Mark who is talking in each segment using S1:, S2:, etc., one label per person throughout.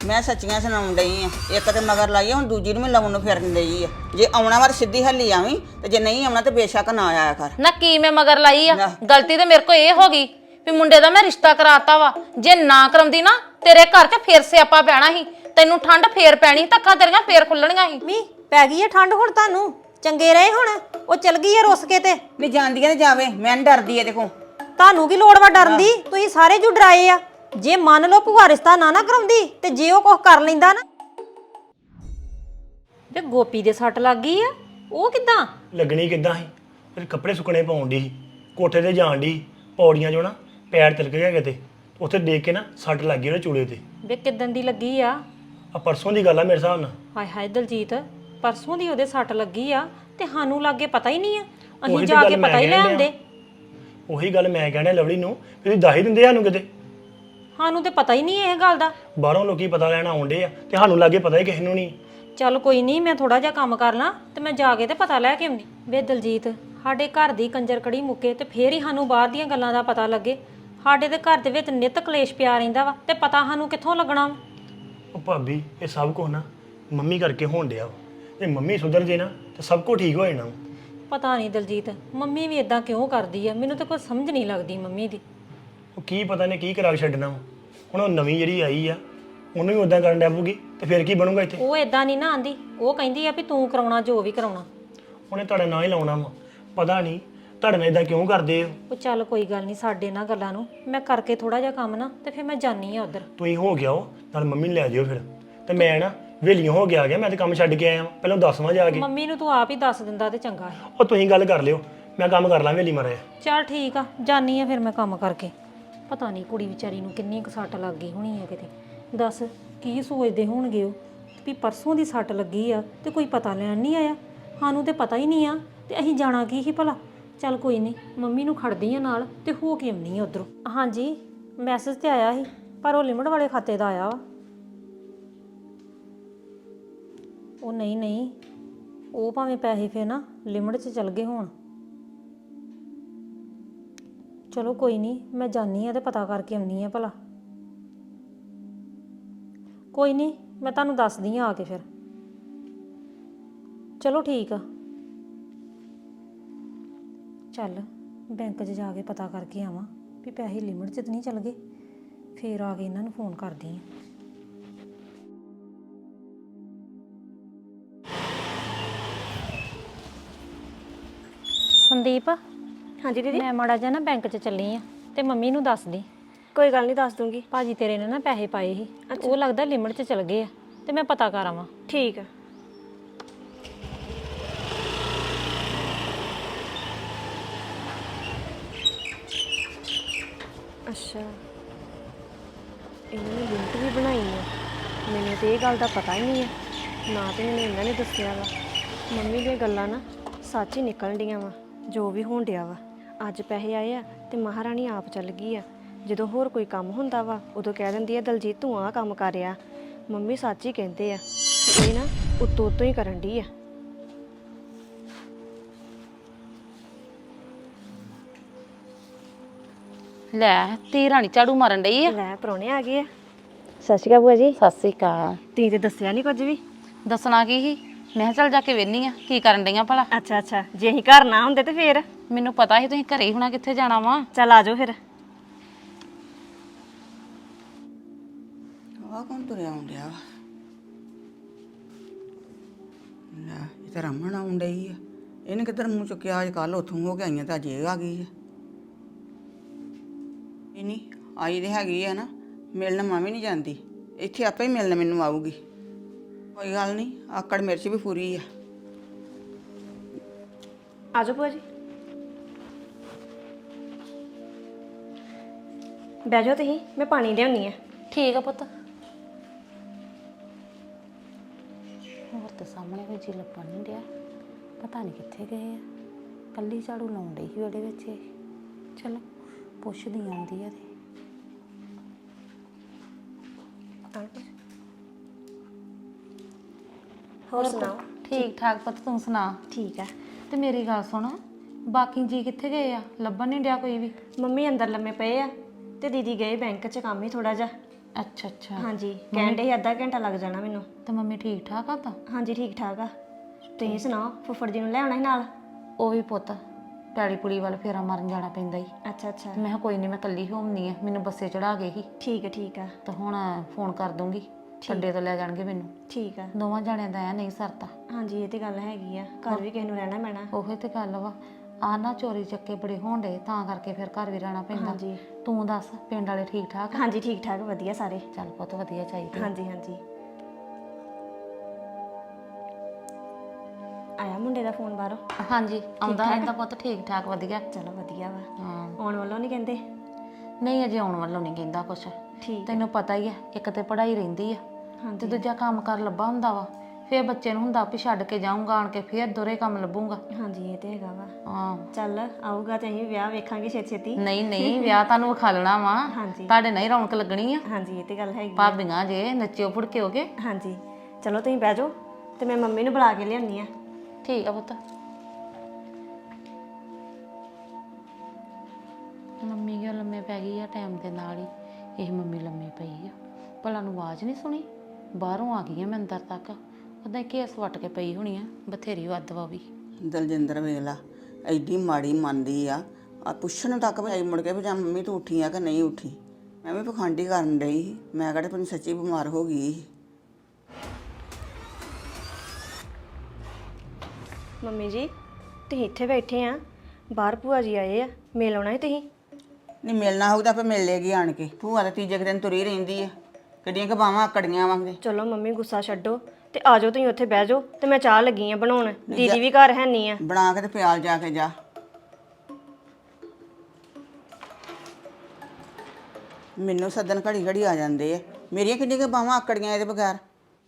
S1: ਮੈਂ ਸੱਚੀਆਂ ਸੁਣਾਉਣ ਡਈ ਆ। ਇੱਕ ਤੇ ਮਗਰ ਲਾਈ ਆ, ਹੁਣ ਦੂਜੀ ਨੂੰ ਵੀ ਲਾਉਣ ਨੂੰ ਫਿਰਨ ਡਈ ਆ। ਜੇ ਆਉਣਾ ਵਾ ਸਿੱਧੀ ਹੱਲੀ ਆਵੀਂ, ਤੇ ਜੇ ਨਹੀਂ ਆਉਣਾ ਤੇ ਬੇਸ਼ੱਕ ਨਾ ਆਇਆ ਕਰ।
S2: ਨਾ ਕੀ ਮੈਂ ਮਗਰ ਲਾਈ ਆ? ਗਲਤੀ ਤੇ ਮੇਰੇ ਕੋ ਇਹ ਹੋ ਗਈ ਵੀ ਮੁੰਡੇ ਦਾ ਮੈਂ ਰਿਸ਼ਤਾ ਕਰਾਤਾ ਵਾ। ਜੇ ਨਾ ਕਰਾਉਂਦੀ ਨਾ ਤੇਰੇ ਘਰ 'ਚ ਫੇਰ ਸਿਆਪਾ ਪੈਣਾ ਸੀ, ਤੈਨੂੰ ਠੰਡ ਫੇਰ ਪੈਣੀ, ਧੱਕਾ ਤੇਰੀਆਂ ਫੇਰ ਖੁੱਲਣੀਆਂ ਸੀ।
S3: ਮੀ ਪੈ ਗਈ ਹੈ ਠੰਡ ਹੁਣ ਤੁਹਾਨੂੰ? ਚੰਗੇ ਰਹੇ ਹੁਣ? ਉਹ ਚਲ ਗਈ ਹੈ ਰੁੱਸ ਕੇ ਤੇ।
S1: ਨਹੀਂ ਜਾਂਦੀ ਆ ਤੇ ਜਾਵੇ, ਮੈਂ ਨੀ ਡਰਦੀ ਇਹਦੇ ਕੋਲ।
S3: ਤੁਹਾਨੂੰ ਕੀ ਲੋੜ ਵਾ ਡਰਨ ਦੀ? ਤੁਸੀਂ ਸਾਰੇ ਜੂ ਡਰਾਏ ਆ। ਜੇ ਮੰਨ ਲਓ ਭੂਆ ਰਿਸ਼ਤਾ ਨਾ ਕਰਾਉਂਦੀ ਤੇ ਜੇ ਉਹ ਕੁਝ ਕਰ ਲੈਂਦਾ ਨਾ। ਵੇ ਗੋਪੀ ਦੇ ਸੱਟ ਲੱਗ ਗਈ ਆ, ਉਹ ਕਿੱਦਾਂ
S4: ਲੱਗਣੀ ਕਿੱਦਾਂ ਸੀ? ਫਿਰ ਕੱਪੜੇ ਸੁੱਕਣੇ ਪਾਉਣ ਦੀ ਸੀ, ਕੋਠੇ ਤੇ ਜਾਣ ਦੀ, ਪੌੜੀਆਂ 'ਚੋਂ ਨਾ ਪੈਰ ਤਿਲਕ ਗਿਆ ਕਿਤੇ, ਉੱਥੇ ਦੇਖ ਕੇ ਨਾ ਸੱਟ ਲੱਗ ਗਈ ਉਹਦੇ ਚੂਲੇ ਤੇ।
S3: ਵੇ ਕਿੱਦਣ ਦੀ ਲੱਗੀ ਆ?
S4: ਆ ਪਰਸੋਂ ਦੀ ਗੱਲ ਆ ਮੇਰੇ ਹਿਸਾਬ ਨਾਲ।
S3: ਹਾਏ ਹਾਏ ਦਲਜੀਤ, ਪਰਸੋਂ ਦੀ ਉਹਦੇ ਸੱਟ ਲੱਗੀ ਆ ਤੇ ਸਾਨੂੰ ਲਾਗੇ ਪਤਾ ਹੀ ਨਹੀਂ ਆ। ਅਸੀਂ
S4: ਉਹੀ
S3: ਜਾ
S4: ਤਾਂ
S3: ਕੇ
S4: ਗੱਲ ਮੈਂ
S3: ਪਤਾ ਹੀ ਲੈ
S4: ਕਹਿਣ
S3: ਆਉਂਦੇ।
S4: ਉਹੀ ਗੱਲ ਮੈਂ ਕਹਿਣਾ ਲਵਲੀ ਨੂੰ, ਤੁਸੀਂ ਦੱਸ ਹੀ ਦਿੰਦੇ ਸਾਨੂੰ ਕਿਤੇ।
S3: ਸਾਨੂੰ ਤੇ ਪਤਾ ਹੀ ਨਹੀਂ ਇਹ ਗੱਲ ਦਾ।
S4: ਬਾਹਰੋਂ ਲੋਕੀ ਪਤਾ ਲੈਣ ਆਉਂਦੇ ਆ ਤੇ ਸਾਨੂੰ ਲਾਗੇ ਪਤਾ ਹੀ ਕਿਸੇ ਨੂੰ ਨਹੀਂ।
S3: ਚੱਲ ਕੋਈ ਨਹੀਂ, ਮੈਂ ਥੋੜਾ ਜਿਹਾ ਕੰਮ ਕਰ ਲਾਂ ਤੇ ਮੈਂ ਜਾ ਕੇ ਤੇ ਪਤਾ ਲੈ ਕੇ ਆਉਂਦੀ। ਵੇ ਦਲਜੀਤ, ਸਾਡੇ ਘਰ ਦੀ ਕੰਜਰ ਕੜੀ ਮੁੱਕੇ ਤੇ ਫੇਰ ਹੀ ਸਾਨੂੰ ਬਾਹਰ ਦੀਆਂ ਗੱਲਾਂ ਦਾ ਪਤਾ ਲੱਗੇ। ਸਾਡੇ ਦੇ ਘਰ ਦੇ ਵਿੱਚ ਨਿੱਤ ਕਲੇਸ਼ ਪਿਆ ਰਹਿੰਦਾ ਵਾ ਤੇ ਪਤਾ ਸਾਨੂੰ ਕਿੱਥੋਂ ਲੱਗਣਾ ਵਾ?
S4: ਉਹ ਭਾਬੀ ਇਹ ਸਭ ਕੁਝ ਨਾ ਮੰਮੀ ਕਰਕੇ ਹੋਣ ਡਿਆ ਵਾ। ਜੇ ਮੰਮੀ ਸੁਧਰ ਜੇ ਨਾ ਤੇ ਸਭ ਕੁਝ ਠੀਕ ਹੋ ਜਾਣਾ ਵਾ।
S3: ਪਤਾ ਨਹੀਂ ਦਲਜੀਤ, ਮੰਮੀ ਵੀ ਇਦਾਂ ਕਿਉਂ ਕਰਦੀ ਆ? ਮੈਨੂੰ ਤਾਂ ਕੋਈ ਸਮਝ ਨਹੀਂ ਲੱਗਦੀ ਮੰਮੀ ਦੀ।
S4: ਉਹ ਕੀ ਪਤਾ ਨੇ ਕੀ ਕਰਾ ਕੇ ਛੱਡਣਾ ਵਾ। ਹੁਣ ਉਹ ਨਵੀਂ ਜਿਹੜੀ ਆਈ ਆ ਉਹਨੂੰ ਵੀ ਉਦਾਂ ਕਰਨ ਡੈ ਪਊਗੀ ਤੇ ਫਿਰ ਕੀ ਬਣੂਗਾ ਇੱਥੇ?
S3: ਉਹ ਇਦਾਂ ਨਹੀਂ ਨਾ ਆਂਦੀ, ਉਹ ਕਹਿੰਦੀ ਆ ਵੀ ਤੂੰ ਕਰਾਉਣਾ ਜੋ ਵੀ ਕਰਾਉਣਾ।
S4: ਉਹਨੇ ਤੁਹਾਡਾ ਨਾਂ ਹੀ ਲਾਉਣਾ ਵਾ। ਪਤਾ ਨਹੀਂ ਤੁਹਾਡੇ ਨਾਲ ਇਦਾਂ ਕਿਉਂ ਕਰਦੇ ਹੋ।
S3: ਉਹ ਚੱਲ ਕੋਈ ਗੱਲ ਨਹੀਂ, ਸਾਡੇ ਨਾਲ ਗੱਲਾਂ ਨੂੰ ਮੈਂ ਕਰਕੇ ਥੋੜਾ ਜਿਹਾ ਕੰਮ ਨਾ ਤੇ ਫਿਰ ਮੈਂ ਜਾਨੀ ਆ ਉਧਰ।
S4: ਤੁਸੀਂ ਹੋ ਗਿਆ ਉਹ ਨਾਲ ਮੰਮੀ ਨੂੰ ਲੈ ਜਿਓ ਫਿਰ। ਤੇ ਮੈਂ ਨਾ ਵੇਲੀਆਂ ਹੋ ਗਿਆ ਮੈਂ ਤੇ ਕੰਮ ਛੱਡ ਕੇ ਆਇਆ ਵਾਂ। ਪਹਿਲਾਂ ਦੱਸਵਾਂ ਜਾ ਕੇ।
S3: ਮੰਮੀ ਨੂੰ ਤੂੰ ਆਪ ਹੀ ਦੱਸ ਦਿੰਦਾ ਤੇ ਚੰਗਾ ਹੈ।
S4: ਉਹ ਤੁਸੀਂ ਗੱਲ ਕਰ ਲਿਓ, ਮੈਂ ਕੰਮ ਕਰ ਲਾਂ ਵੇਲੀ ਮਾਰਿਆ।
S3: ਚੱਲ ਠੀਕ ਆ, ਜਾਨੀ ਆ ਫਿਰ ਮੈਂ ਕੰਮ ਕਰਕੇ। ਪਤਾ ਨਹੀਂ ਕੁੜੀ ਵਿਚਾਰੀ ਨੂੰ ਕਿੰਨੀ ਕੁ ਸੱਟ ਲੱਗ ਗਈ ਹੋਣੀ ਆ ਕਿਤੇ। ਦੱਸ ਕੀ ਸੋਚਦੇ ਹੋਣਗੇ ਉਹ ਵੀ ਪਰਸੋਂ ਦੀ ਸੱਟ ਲੱਗੀ ਆ ਤੇ ਕੋਈ ਪਤਾ ਲੈਣ ਨਹੀਂ ਆਇਆ। ਸਾਨੂੰ ਤੇ ਪਤਾ ਹੀ ਨਹੀਂ ਆ ਤੇ ਅਸੀਂ ਜਾਣਾ ਕੀ ਸੀ ਭਲਾ। ਚੱਲ ਕੋਈ ਨਹੀਂ, ਮੰਮੀ ਨੂੰ ਖੜਦੀ ਆ ਨਾਲ ਤੇ ਹੋ ਕੇ ਆਉਣੀ ਆ ਉਧਰੋਂ। ਹਾਂਜੀ ਮੈਸੇਜ ਤੇ ਆਇਆ ਸੀ ਪਰ ਉਹ ਲਿਮਟ ਵਾਲੇ ਖਾਤੇ ਦਾ ਆਇਆ ਵਾ। ਉਹ ਨਹੀਂ, ਉਹ ਭਾਵੇਂ ਪੈਸੇ ਫੇਰ ਨਾ ਲਿਮਟ 'ਚ ਚਲ ਗਏ ਹੋਣ। ਚਲੋ ਕੋਈ ਨਹੀਂ, ਮੈਂ ਜਾਨੀ ਆ ਤੇ ਪਤਾ ਕਰਕੇ ਆਉਣੀ ਆ ਭਲਾ। ਕੋਈ ਨਹੀਂ, ਮੈਂ ਤੁਹਾਨੂੰ ਦੱਸਦੀ ਆ ਕੇ ਫਿਰ। ਚਲੋ ਠੀਕ ਆ। ਚੱਲ ਬੈਂਕ 'ਚ ਜਾ ਕੇ ਪਤਾ ਕਰਕੇ ਆਵਾਂ ਵੀ ਪੈਸੇ ਲਿਮਟ 'ਚ ਤਾਂ ਨਹੀਂ ਚਲ ਗਏ। ਫੇਰ ਆ ਕੇ ਇਹਨਾਂ ਨੂੰ ਫੋਨ ਕਰਦੀ ਆ। ਸੰਦੀਪ,
S5: ਹਾਂਜੀ ਦੀਦੀ।
S3: ਮੈਂ ਮਾੜਾ ਜਿਹਾ ਨਾ ਬੈਂਕ 'ਚ ਚੱਲੀ ਆ ਤੇ ਮੰਮੀ ਨੂੰ ਦੱਸ ਦੀ।
S5: ਕੋਈ ਗੱਲ ਨਹੀਂ, ਦੱਸ ਦੂੰਗੀ।
S3: ਭਾਜੀ ਤੇਰੇ ਨੇ ਨਾ ਪੈਸੇ ਪਾਏ ਸੀ, ਉਹ ਲੱਗਦਾ ਲਿਮਟ 'ਚ ਚਲ ਗਏ ਆ ਤੇ ਮੈਂ ਪਤਾ ਕਰ ਆਵਾਂ।
S5: ਠੀਕ ਆ। ਅੱਛਾ, ਇਹਨਾਂ ਨੇ ਲਿੰਕ ਵੀ ਬਣਾਈ ਆ। ਮੈਨੂੰ ਤੇ ਇਹ ਗੱਲ ਦਾ ਪਤਾ ਹੀ ਨਹੀਂ ਹੈ ਨਾ, ਤੇ ਮੈਨੂੰ ਇਹਨਾਂ ਨੇ ਦੱਸਿਆ ਵਾ। ਮੰਮੀ ਦੀਆਂ ਗੱਲਾਂ ਨਾ ਸੱਚ ਹੀ ਨਿਕਲਣ ਡੀਆਂ ਵਾ। ਜੋ ਵੀ ਹੋਣ ਡਿਆ ਵਾ, ਅੱਜ ਪੈਸੇ ਆਏ ਆ ਤੇ ਮਹਾਰਾਣੀ ਆਪ ਚੱਲ ਗਈ ਆ। ਜਦੋਂ ਹੋਰ ਕੋਈ ਕੰਮ ਹੁੰਦਾ ਵਾ ਉਦੋਂ ਕਹਿ ਦਿੰਦੀ ਆ ਦਲਜੀਤ ਤੂੰ ਆਹ ਕੰਮ ਕਰ ਆ। ਮੰਮੀ ਸੱਚ ਹੀ ਕਹਿੰਦੇ ਆ ਕਿ ਇਹ ਨਾ ਉੱਤੋਂ ਉੱਤੋਂ ਹੀ ਕਰਨ ਡਈ ਆ।
S2: ਲੈ ਤੀ ਰਾਣੀ ਝਾੜੂ ਮਾਰਨ ਡਈ ਆ।
S5: ਲੈ ਪ੍ਰਾਹੁਣੇ ਆ ਗਏ ਆ। ਸਤਿ ਸ਼੍ਰੀ ਅਕਾਲ ਭੂਆ ਜੀ।
S2: ਸਤਿ ਸ੍ਰੀ ਅਕਾਲ।
S5: ਤੁਸੀਂ ਤੇ ਦੱਸਿਆ ਨਹੀਂ ਕੁਝ ਵੀ।
S2: ਦੱਸਣਾ ਕੀ ਸੀ, ਮੈਂ ਕਿਹਾ ਚੱਲ ਜਾ ਕੇ ਵੇਖਨੀ ਆ ਕੀ ਕਰਨ ਡਈਆਂ ਭਲਾ।
S5: ਅੱਛਾ ਅੱਛਾ, ਜੇ ਅਸੀਂ ਘਰ ਨਾ ਹੁੰਦੇ ਤੇ ਫੇਰ?
S2: ਮੈਨੂੰ ਪਤਾ ਸੀ ਤੁਸੀਂ ਘਰੇ ਹੀ ਹੋਣਾ, ਕਿੱਥੇ ਜਾਣਾ ਵਾ।
S5: ਚੱਲ ਆ ਜਾਓ ਫਿਰ।
S1: ਆਹ ਕੌਣ ਤੁਰਿਆ ਆਉਂਦਿਆ ਵਾ? ਲੈ ਇਹ ਤਾਂ ਰਮਨ ਆਉਣ ਡਈ ਆ। ਇਹਨੇ ਕਿੱਧਰ ਮੂੰਹ ਚੁੱਕਿਆ? ਅੱਜ ਕੱਲ੍ਹ ਉੱਥੋਂ ਹੋ ਕੇ ਆਈਆਂ ਤਾਂ ਅੱਜ ਇਹ ਆ ਗਈ ਆ। ਇਹ ਨਹੀਂ ਆਈ ਤੇ ਹੈਗੀ ਆ ਨਾ, ਮਿਲਣ ਮੈਂ ਵੀ ਨਹੀਂ ਜਾਂਦੀ। ਇੱਥੇ ਆਪੇ ਹੀ ਮਿਲਣ ਮੈਨੂੰ ਆਊਗੀ। ਕੋਈ ਗੱਲ ਨਹੀਂ, ਆਕੜ ਮਿਰਚ ਵੀ ਪੂਰੀ ਆ।
S5: ਆ ਜਾਓ ਭੂਆ ਜੀ, ਬਹਿ ਜਾਓ ਤੁਸੀਂ, ਮੈਂ ਪਾਣੀ ਲਿਆਉਣੀ ਆ।
S2: ਠੀਕ ਆ ਪੁੱਤ। ਹੋਰ ਤਾਂ ਸਾਹਮਣੇ ਕੋਈ ਜੀ ਲੱਭਣ ਨਹੀਂ ਡਿਆ, ਪਤਾ ਨਹੀਂ ਕਿੱਥੇ ਗਏ ਆ। ਕੱਲੀ ਝਾੜੂ ਲਾਉਣ ਡਈ ਸੀ ਉਹਦੇ ਵਿੱਚ ਇਹ। ਚਲੋ ਪੁੱਛਦੀ ਆਉਂਦੀ ਆ ਤੇ।
S5: ਹੋਰ ਸੁਣਾਓ?
S2: ਠੀਕ ਠਾਕ ਪੁੱਤ, ਤੂੰ ਸੁਣਾ?
S5: ਠੀਕ ਆ।
S2: ਤੇ ਮੇਰੀ ਗੱਲ ਸੁਣ, ਬਾਕੀ ਜੀ ਕਿੱਥੇ ਗਏ ਆ? ਲੱਭਣ ਨਹੀਂ ਡਿਆ ਕੋਈ ਵੀ।
S5: ਮੰਮੀ ਅੰਦਰ ਲੰਮੇ ਪਏ ਆ ਤੇ ਦੀਦੀ ਗਏ ਬੈਂਕ 'ਚ ਕੰਮ ਹੀ ਥੋੜਾ ਜਿਹਾ।
S2: ਅੱਛਾ ਅੱਛਾ।
S5: ਹਾਂਜੀ ਕਹਿਣ ਦੇ ਅੱਧਾ ਘੰਟਾ ਲੱਗ ਜਾਣਾ ਮੈਨੂੰ।
S2: ਤੇ ਮੰਮੀ ਠੀਕ ਠਾਕ ਆ ਤਾਂ?
S5: ਹਾਂਜੀ ਠੀਕ ਠਾਕ ਆ। ਤੁਸੀਂ ਸੁਣਾਓ ਫੁੱਫੜ ਜੀ ਨੂੰ ਲੈ ਆਉਣਾ ਸੀ ਨਾਲ?
S2: ਉਹ ਵੀ ਪੁੱਤ ਪੈਲੀ ਪੁਲੀ ਵੱਲ ਫੇਰਾ ਮਾਰਨ ਜਾਣਾ ਪੈਂਦਾ ਹੀ।
S5: ਅੱਛਾ ਅੱਛਾ
S2: ਮੈਂ ਕਿਹਾ ਕੋਈ ਨਹੀਂ ਮੈਂ ਕੱਲੀ ਹੋਮਨੀ ਆ, ਮੈਨੂੰ ਬੱਸੇ ਚੜਾ ਗਏ ਸੀ
S5: ਠੀਕ ਆ
S2: ਤਾਂ ਹੁਣ ਫੋਨ ਕਰ ਦੂੰਗੀ, ਅੱਡੇ ਤੋਂ ਲੈ ਜਾਣਗੇ ਮੈਨੂੰ।
S5: ਠੀਕ ਆ।
S2: ਦੋਵਾਂ ਜਾਣਿਆਂ ਦਾ ਐ ਨਹੀਂ ਸਰਤਾ।
S5: ਹਾਂਜੀ ਇਹ ਤੇ ਗੱਲ ਹੈਗੀ ਆ, ਘਰ ਵੀ ਕਿਸੇ ਨੂੰ ਰਹਿਣਾ ਪੈਣਾ।
S2: ਉਹੀ ਤੇ ਗੱਲ ਵਾ, ਆ ਨਾ ਚੋਰੀ ਚੱਕੇ ਬੜੇ ਹੋਣਦੇ ਤਾਂ ਕਰਕੇ ਫਿਰ ਘਰ ਵੀ ਰਹਿਣਾ ਪੈਂਦਾ।
S5: ਹਾਂਜੀ
S2: ਤੂੰ ਦੱਸ ਪਿੰਡ ਵਾਲੇ ਠੀਕ ਠਾਕ?
S5: ਹਾਂਜੀ ਠੀਕ ਠਾਕ ਵਧੀਆ ਸਾਰੇ।
S2: ਚੱਲ ਪੁੱਤ ਵਧੀਆ ਚਾਹੀਦੀ।
S5: ਹਾਂਜੀ ਹਾਂਜੀ। ਆਇਆ ਮੁੰਡੇ ਦਾ ਫੋਨ ਬਾਹਰੋਂ?
S2: ਹਾਂਜੀ ਆਉਂਦਾ ਰਹਿੰਦਾ ਪੁੱਤ, ਠੀਕ ਠਾਕ ਵਧੀਆ।
S5: ਚਲੋ ਵਧੀਆ ਵਾ।
S2: ਹਾਂ
S5: ਆਉਣ ਵੱਲੋਂ ਨਹੀਂ ਕਹਿੰਦੇ?
S2: ਨਹੀਂ ਅਜੇ ਆਉਣ ਵੱਲੋਂ ਨਹੀਂ ਕਹਿੰਦਾ ਕੁਛ।
S5: ਠੀਕ
S2: ਤੈਨੂੰ ਪਤਾ ਹੀ ਆ, ਇੱਕ ਤੇ ਪੜ੍ਹਾਈ ਰਹਿੰਦੀ ਆ ਤੇ
S5: ਹਾਂਜੀ
S2: ਦੂਜਾ ਕੰਮ ਕਰ ਲੱਭਾ ਹੁੰਦਾ ਵਾ। ਫੇਰ ਬੱਚੇ ਨੂੰ ਹੁੰਦਾ ਵੀ ਛੱਡ ਕੇ ਜਾਊਂਗਾ, ਆਣ ਕੇ ਫੇਰ ਦੋਰੇ ਕੰਮ ਲੱਭੂਗਾ।
S5: ਹਾਂਜੀ ਇਹ ਤੇ ਹੈਗਾ ਵਾ।
S2: ਹਾਂ
S5: ਚੱਲ ਆਊਗਾ ਤੇ ਅਸੀਂ ਵਿਆਹ ਵੇਖਾਂਗੇ ਛੇਤੀ ਛੇਤੀ।
S2: ਨਹੀਂ ਵਿਆਹ ਤੁਹਾਨੂੰ ਵਿਖਾ ਲੈਣਾ ਵਾ,
S5: ਹਾਂਜੀ
S2: ਤੁਹਾਡੇ ਨਹੀਂ ਰੌਣਕ ਲੱਗਣੀ ਆ।
S5: ਹਾਂਜੀ ਇਹ ਤੇ ਗੱਲ ਹੈਗੀ ਆ।
S2: ਭਾਬੀਆਂ ਜੇ ਨੱਚਿਓ ਫੁੜਕਿਓਗੇ।
S5: ਹਾਂਜੀ ਚਲੋ ਤੁਸੀਂ ਬਹਿ ਜਾਓ ਤੇ ਮੈਂ ਮੰਮੀ ਨੂੰ ਬੁਲਾ ਕੇ ਲਿਆਉਣੀ ਆ।
S2: ਠੀਕ ਆ ਪੁੱਤ। ਮੰਮੀ ਕਿਉਂ ਲੰਮੇ ਪੈ ਗਈ ਆ? ਟਾਈਮ ਦੇ ਨਾਲ ਹੀ ਇਹ ਮੰਮੀ ਲੰਮੇ ਪਈ ਆ। ਭਲਾ ਨੂੰ ਆਵਾਜ਼ ਨਹੀਂ ਸੁਣੀ? ਬਾਹਰੋਂ ਆ ਗਈ ਆ ਮੈਂ ਅੰਦਰ ਤੱਕ, ਉਹਦਾ ਕੇਸ ਵੱਟ ਕੇ ਪਈ ਹੋਣੀ ਆ, ਬਥੇਰੀ ਵੱਧ ਵਾ ਵੀ।
S1: ਦਲਜਿੰਦਰ ਵੇਖ ਲਾ ਐਡੀ ਮਾੜੀ ਮੰਨਦੀ ਆ ਪੁੱਛਣ ਤੱਕ ਵੀ ਆਈ ਮੁੜ ਕੇ ਵੀ ਜਾਂ ਮੰਮੀ ਤੂੰ ਉੱਠੀ ਆ ਕਿ ਨਹੀਂ ਉੱਠੀ। ਮੈਂ ਵੀ ਪਖੰਡੀ ਕਰਨ ਡਈ ਸੀ, ਮੈਂ ਕਿਹੜੇ ਤੈਨੂੰ ਸੱਚੀ ਬਿਮਾਰ ਹੋ ਗਈ ਸੀ।
S5: ਮੰਮੀ ਜੀ ਤੁਸੀਂ ਇੱਥੇ ਬੈਠੇ ਆ, ਬਾਹਰ ਭੂਆ ਜੀ ਆਏ ਆ, ਮਿਲ ਆਉਣਾ ਹੈ ਤੁਸੀਂ?
S1: ਨਹੀਂ ਮਿਲਣਾ ਹੋਊ ਤਾਂ ਆਪੇ ਮਿਲ ਲੇਗੀ ਆਣ ਕੇ। ਭੂਆ ਤਾਂ ਤੀਜੇ ਕੁ ਦਿਨ ਤੁਰੀ ਰਹਿੰਦੀ ਆ, ਕਿੱਡੀਆਂ ਕੁ ਬਾਵਾਂ ਆਕੜੀਆਂ ਵਾਂਗੇ।
S5: ਚਲੋ ਮੰਮੀ ਗੁੱਸਾ ਛੱਡੋ ਤੇ ਆ ਜਾਓ ਤੁਸੀਂ ਉੱਥੇ ਬਹਿ ਜਾਓ ਤੇ ਮੈਂ ਚਾਹ ਲੱਗੀ ਆ ਬਣਾਉਣ। ਦੀਦੀ ਵੀ ਘਰ ਹੈ ਨਹੀਂ ਆ।
S1: ਬਣਾ ਕੇ ਤੇ ਪਿਆਲ ਜਾ ਕੇ ਜਾ। ਮੈਨੂੰ ਸੱਦਣ ਘੜੀ ਘੜੀ ਆ ਜਾਂਦੇ ਆ, ਮੇਰੀਆਂ ਕਿੰਨੀਆਂ ਕੁ ਬਾਵਾਂ ਆਕੜੀਆਂ ਇਹਦੇ ਬਗੈਰ।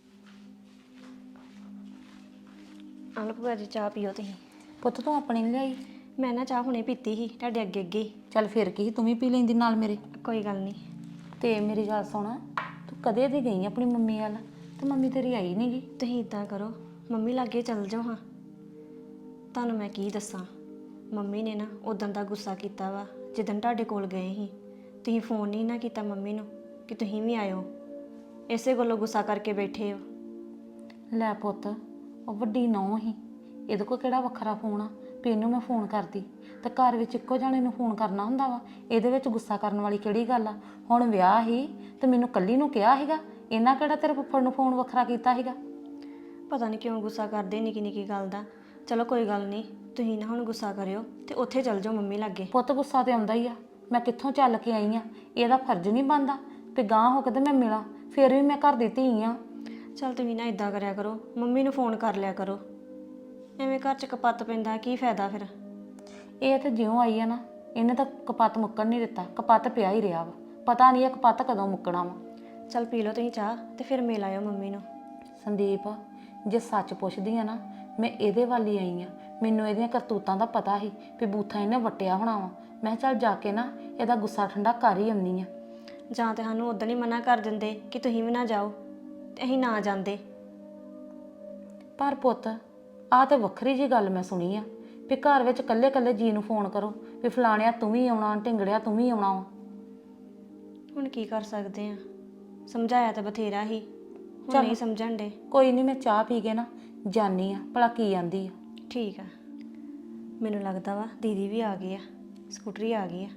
S5: ਆਲੋ ਭੂਆ ਜੀ ਚਾਹ ਪੀਓ ਤੁਸੀਂ।
S2: ਪੁੱਤ ਤੂੰ ਆਪਣੀ ਨਹੀਂ ਲਿਆਈ?
S5: ਮੈਂ ਨਾ ਚਾਹ ਹੁਣੇ ਪੀਤੀ ਸੀ ਤੁਹਾਡੇ ਅੱਗੇ ਅੱਗੇ ਹੀ।
S2: ਚੱਲ ਫਿਰ ਕੀ, ਤੂੰ ਵੀ ਪੀ ਲੈਂਦੀ ਨਾਲ ਮੇਰੇ।
S5: ਕੋਈ ਗੱਲ ਨਹੀਂ।
S2: ਤੇ ਮੇਰੀ ਗੱਲ ਸੁਣ, ਤੂੰ ਕਦੇ ਦੀ ਗਈ ਆਪਣੀ ਮੰਮੀ ਵੱਲ ਤੇ ਮੰਮੀ ਤੇਰੀ ਆਈ ਨਹੀਂ ਗੀ।
S5: ਤੁਸੀਂ ਇਦਾਂ ਕਰੋ ਮੰਮੀ ਲਾਗੇ ਚੱਲ ਜਾਓ ਹਾਂ। ਤੁਹਾਨੂੰ ਮੈਂ ਕੀ ਦੱਸਾਂ, ਮੰਮੀ ਨੇ ਨਾ ਉਦੋਂ ਦਾ ਗੁੱਸਾ ਕੀਤਾ ਵਾ ਜਿੱਦਣ ਤੁਹਾਡੇ ਕੋਲ ਗਏ ਸੀ। ਤੁਸੀਂ ਫੋਨ ਨਹੀਂ ਨਾ ਕੀਤਾ ਮੰਮੀ ਨੂੰ ਕਿ ਤੁਸੀਂ ਵੀ ਆਇਓ, ਇਸੇ ਗੱਲੋਂ ਗੁੱਸਾ ਕਰਕੇ ਬੈਠੇ ਹੋ।
S2: ਲੈ ਪੁੱਤ ਉਹ ਵੱਡੀ ਨੌਂ ਹੀ, ਇਹਦੇ ਕੋਲ ਕਿਹੜਾ ਵੱਖਰਾ ਫੋਨ ਆ ਵੀ ਇਹਨੂੰ ਮੈਂ ਫੋਨ ਕਰਦੀ। ਤੇ ਘਰ ਵਿੱਚ ਇੱਕੋ ਜਾਣੇ ਨੂੰ ਫੋਨ ਕਰਨਾ ਹੁੰਦਾ ਵਾ, ਇਹਦੇ ਵਿੱਚ ਗੁੱਸਾ ਕਰਨ ਵਾਲੀ ਕਿਹੜੀ ਗੱਲ ਆ? ਹੁਣ ਵਿਆਹ ਹੀ ਤੇ ਮੈਨੂੰ ਕੱਲੀ ਨੂੰ ਕਿਹਾ ਸੀਗਾ, ਇਹਨਾਂ ਕਿਹੜਾ ਤੇਰੇ ਫੁੱਫੜ ਨੂੰ ਫੋਨ ਵੱਖਰਾ ਕੀਤਾ ਸੀਗਾ?
S5: ਪਤਾ ਨਹੀਂ ਕਿਉਂ ਗੁੱਸਾ ਕਰਦੇ ਨਿੱਕੀ ਨਿੱਕੀ ਗੱਲ ਦਾ। ਚਲੋ ਕੋਈ ਗੱਲ ਨਹੀਂ, ਤੁਸੀਂ ਨਾ ਹੁਣ ਗੁੱਸਾ ਕਰਿਓ ਤੇ ਉੱਥੇ ਚੱਲ ਜਾਓ ਮੰਮੀ ਲਾਗੇ।
S2: ਪੁੱਤ ਗੁੱਸਾ ਤੇ ਆਉਂਦਾ ਹੀ ਆ, ਮੈਂ ਕਿੱਥੋਂ ਚੱਲ ਕੇ ਆਈ ਆ, ਇਹਦਾ ਫਰਜ਼ ਨਹੀਂ ਬਣਦਾ ਵੀ ਗਾਂਹ ਹੋ ਕੇ ਤੇ ਮੈਂ ਮਿਲਾਂ। ਫਿਰ ਵੀ ਮੈਂ ਘਰ ਦੀ ਧੀ ਆ।
S5: ਚਲ ਤੁਸੀਂ ਨਾ ਇਦਾਂ ਕਰਿਆ ਕਰੋ, ਮੰਮੀ ਨੂੰ ਫੋਨ ਕਰ ਲਿਆ ਕਰੋ, ਐਵੇਂ ਘਰ 'ਚ ਕਪੱਤ ਪੈਂਦਾ ਕੀ ਫਾਇਦਾ ਫਿਰ।
S2: ਇਹ ਤੇ ਜਿਉਂ ਆਈ ਆ ਨਾ, ਇਹਨੇ ਤਾਂ ਕਪੱਤ ਮੁੱਕਣ ਨਹੀਂ ਦਿੱਤਾ, ਕਪੱਤ ਪਿਆ ਹੀ ਰਿਹਾ ਵਾ। ਪਤਾ ਨਹੀਂ ਇਹ ਕਪੱਤ ਕਦੋਂ ਮੁੱਕਣਾ ਵਾ।
S5: ਚਲ ਪੀ ਲਓ ਤੁਸੀਂ ਚਾਹ ਤੇ ਫਿਰ ਮਿਲ ਆਇਓ ਮੰਮੀ ਨੂੰ।
S2: ਸੰਦੀਪ ਜੇ ਸੱਚ ਪੁੱਛਦੀ ਆ ਨਾ, ਮੈਂ ਇਹਦੇ ਵੱਲ ਹੀ ਆਈ ਆ। ਮੈਨੂੰ ਇਹਦੀਆਂ ਕਰਤੂਤਾਂ ਦਾ ਪਤਾ ਸੀ ਵੀ ਬੂਥਾ ਇਹਨੇ ਵਟਿਆ ਹੋਣਾ ਵਾ। ਮੈਂ ਚੱਲ ਜਾ ਕੇ ਨਾ ਇਹਦਾ ਗੁੱਸਾ ਠੰਡਾ ਕਰ ਹੀ ਆਉਂਦੀ ਆ।
S5: ਜਾਂ ਤੇ ਸਾਨੂੰ ਉਦੋਂ ਹੀ ਮਨਾ ਕਰ ਦਿੰਦੇ ਕਿ ਤੁਸੀਂ ਵੀ ਨਾ ਜਾਓ ਤੇ ਅਸੀਂ ਨਾ ਜਾਂਦੇ।
S2: ਪਰ ਪੁੱਤ ਆਹ ਤੇ ਵੱਖਰੀ ਜੀ ਗੱਲ ਮੈਂ ਸੁਣੀ ਆ ਵੀ ਘਰ ਵਿੱਚ ਕੱਲੇ ਕੱਲੇ ਜੀ ਨੂੰ ਫੋਨ ਕਰੋ ਵੀ ਫਲਾਣਿਆ ਤੂੰ ਵੀ ਆਉਣਾ, ਢਿੰਗੜਿਆ ਤੂੰ ਵੀ ਆਉਣਾ ਵਾ।
S5: ਹੁਣ ਕੀ ਕਰ ਸਕਦੇ ਆ, ਸਮਝਾਇਆ ਤਾਂ ਬਥੇਰਾ ਹੀ, ਹੁਣ ਨਹੀਂ ਸਮਝਣ ਦੇ।
S2: ਕੋਈ ਨਹੀਂ, ਮੈਂ ਚਾਹ ਪੀ ਕੇ ਨਾ ਜਾਨੀ ਆ, ਭਲਾ ਕੀ ਆਂਦੀ ਆ।
S5: ਠੀਕ ਆ, ਮੈਨੂੰ ਲੱਗਦਾ ਵਾ ਦੀਦੀ ਵੀ ਆ ਗਈ ਆ, ਸਕੂਟਰੀ ਆ ਗਈ ਆ।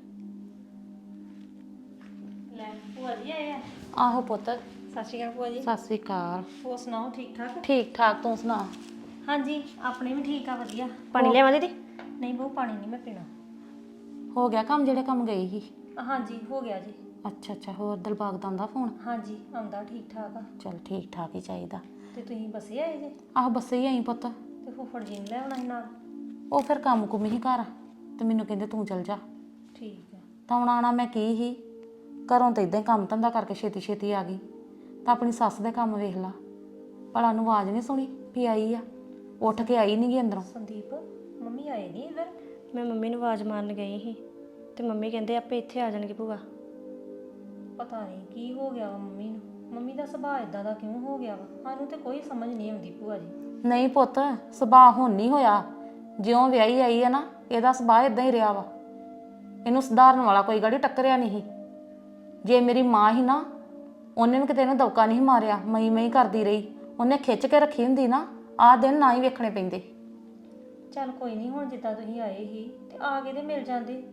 S5: ਲੈ ਭੂਆ ਜੀ ਆਏ ਆ।
S2: ਆਹੋ ਪੁੱਤ
S3: ਸਤਿ ਸ਼੍ਰੀ ਅਕਾਲ ਭੂਆ ਜੀ।
S2: ਸਤਿ ਸ੍ਰੀ ਅਕਾਲ।
S3: ਹੋਰ ਸੁਣਾਓ ਠੀਕ ਠਾਕ?
S2: ਠੀਕ ਠਾਕ, ਤੂੰ ਸੁਣਾ?
S3: ਹਾਂਜੀ ਆਪਣੇ ਵੀ ਠੀਕ ਆ ਵਧੀਆ।
S5: ਪਾਣੀ ਲਿਆਵਾਂ ਦੀਦੀ?
S3: ਨਹੀਂ ਬਹੁ ਪਾਣੀ ਨਹੀਂ ਮੈਂ ਪੀਣਾ।
S2: ਹੋ ਗਿਆ ਕੰਮ ਜਿਹੜੇ ਕੰਮ ਗਈ ਸੀ?
S3: ਹਾਂਜੀ ਹੋ ਗਿਆ ਜੀ।
S2: ਅੱਛਾ ਹੋਰ ਦਿਲਬਾਗ ਦਾ ਆਉਂਦਾ ਫੋਨ?
S3: ਹਾਂਜੀ ਆਉਂਦਾ ਠੀਕ ਠਾਕ ਆ।
S2: ਚਲ ਠੀਕ ਠਾਕ ਹੀ ਚਾਹੀਦਾ।
S3: ਤੇ ਤੁਸੀਂ ਬੱਸੇ ਆਏ ਜੇ?
S2: ਆਹ ਬੱਸੇ ਹੀ ਆਈ ਪੁੱਤ।
S3: ਤੇ ਫੁੱਫੜ ਜੀ ਨੂੰ ਲੈ ਆਉਣਾ ਸੀ ਨਾਲ?
S2: ਉਹ ਫਿਰ ਕੰਮ ਕੁਮ ਹੀ ਘਰ ਤੇ ਮੈਨੂੰ ਕਹਿੰਦੇ ਤੂੰ ਚਲ ਜਾ।
S3: ਠੀਕ ਆ।
S2: ਤਾਂ ਹੁਣ ਆਉਣਾ ਮੈਂ ਕੀ ਹੀ, ਘਰੋਂ ਤਾਂ ਇਦਾਂ ਹੀ ਕੰਮ ਧੰਦਾ ਕਰਕੇ ਛੇਤੀ ਛੇਤੀ ਆ ਗਈ। ਤਾਂ ਆਪਣੀ ਸੱਸ ਦੇ ਕੰਮ ਵੇਖ ਲਾ, ਭਲਾ ਨੂੰ ਆਵਾਜ਼ ਨਹੀਂ ਸੁਣੀ ਵੀ ਆਈ ਆ? ਉੱਠ ਕੇ ਆਈ ਨਹੀਂ ਗਈ ਅੰਦਰੋਂ।
S3: ਸੰਦੀਪ ਮੰਮੀ ਆਏ ਨਹੀਂ ਇੱਧਰ?
S5: ਮੈਂ ਮੰਮੀ ਨੂੰ ਆਵਾਜ਼ ਮਾਰਨ ਗਈ ਸੀ ਤੇ ਮੰਮੀ ਕਹਿੰਦੇ ਆਪੇ ਇੱਥੇ ਆ ਜਾਣਗੇ ਭੂਆ।
S3: ਪਤਾ ਨਹੀਂ ਕੀ ਹੋ ਗਿਆ ਵਾ ਮੰਮੀ ਨੂੰ, ਮੰਮੀ ਦਾ ਸੁਭਾਅ ਇਦਾਂ ਦਾ ਕਿਉਂ ਹੋ ਗਿਆ ਵਾ, ਸਾਨੂੰ ਤੇ ਕੋਈ ਸਮਝ ਨਹੀਂ ਆਉਂਦੀ ਭੂਆ ਜੀ।
S2: ਨਹੀਂ ਪੁੱਤ, ਸੁਭਾਅ ਹੁਣ ਨਹੀਂ ਹੋਇਆ, ਜਿਉਂ ਵਿਆਹੀ ਆਈ ਆ ਨਾ ਇਹਦਾ ਸੁਭਾਅ ਇਦਾਂ ਹੀ ਰਿਹਾ ਵਾ। ਇਹਨੂੰ ਸੁਧਾਰਨ ਵਾਲਾ ਕੋਈ ਗਾੜੀ ਟੱਕਰਿਆ ਨਹੀਂ। ਜੇ ਮੇਰੀ ਮਾਂ ਹੀ ਨਾ ਉਹਨੇ ਵੀ ਕਿਤੇ ਇਹਨੂੰ ਦੌਕਾ ਨਹੀਂ ਮਾਰਿਆ, ਮਈ ਕਰਦੀ ਰਹੀ। ਉਹਨੇ ਖਿੱਚ ਕੇ ਰੱਖੀ ਹੁੰਦੀ ਨਾ, ਆਹ ਦਿਨ ਨਾ ਹੀ ਵੇਖਣੇ ਪੈਂਦੇ।
S3: ਚੱਲ ਕੋਈ ਨਹੀਂ, ਹੁਣ ਜਿੱਦਾਂ ਤੁਸੀਂ ਆਏ ਸੀ ਤੇ ਆ ਕੇ ਤੇ ਮਿਲ ਜਾਂਦੇ।